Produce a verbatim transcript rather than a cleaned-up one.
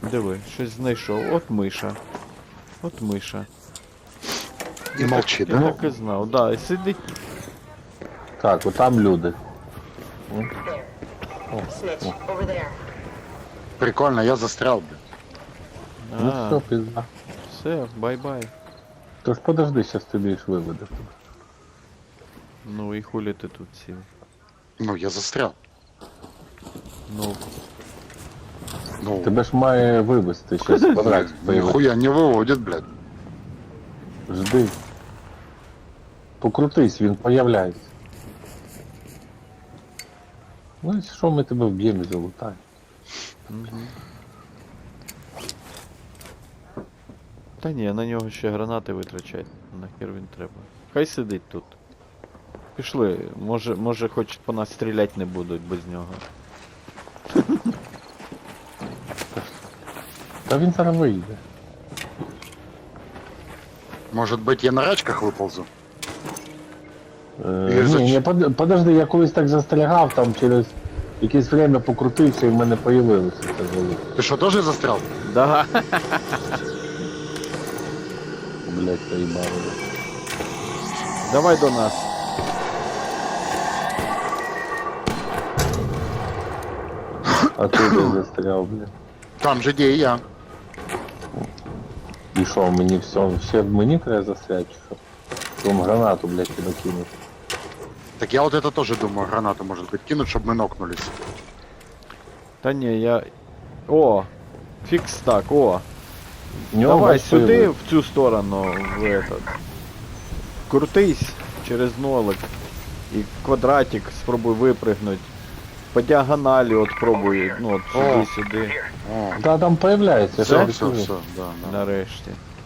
Диви, щось знайшов. От миша. От миша. І молчить, Я да? так і знав, да, і сидить. Так, отам люди. Snitch, over there. Прикольно, я застрял, блядь. Ну А, все, пизда. все, бай-бай. Тож подожди, щас тобі їх виведу. Ну і хулі ти тут сів. Ну, я застрял. Ну, Ну, Тебе ж має вивезти щас квадратик появиться. нихуя не выводит, блядь. Жди. Покрутись, він появляється. Ну і що ми тебе вб'ємо і залутаємо? угу. Та ні, на нього ще гранати витрачать. Нахер він треба. Хай сидить тут. Пішли, може, може хоч по нас стріляти не будуть без нього. Та він зараз вийде. Может быть, я на рачках выползу? Е, Я ж ні, зач- ні, под- подожди, я колись так застрягав, там через якесь время покрутився і в мене появилося це залу. Ты что, тоже застрял? Да. Блять, поїбало. Давай до нас. А ти де застряв, блядь. Там же, где и я. І що, мені все, ще в мені треба застряти, чи що? Вам гранату, блядь, тебе кинуть. Так я вот это тоже думаю, гранату, может быть, кинуть, чтобы мы нокнулись. Та ні, я... О! Фікс так, о! В нього, Давай бач, сюди, появилось. в цю сторону, в этот. Крутись через нолик. І квадратик спробуй випригнути. По діагоналі от пробуй, ну от О. сюди-сюди. О, Да, там появляється, Все? я все, ж кажу. все, да, да. Нарешті.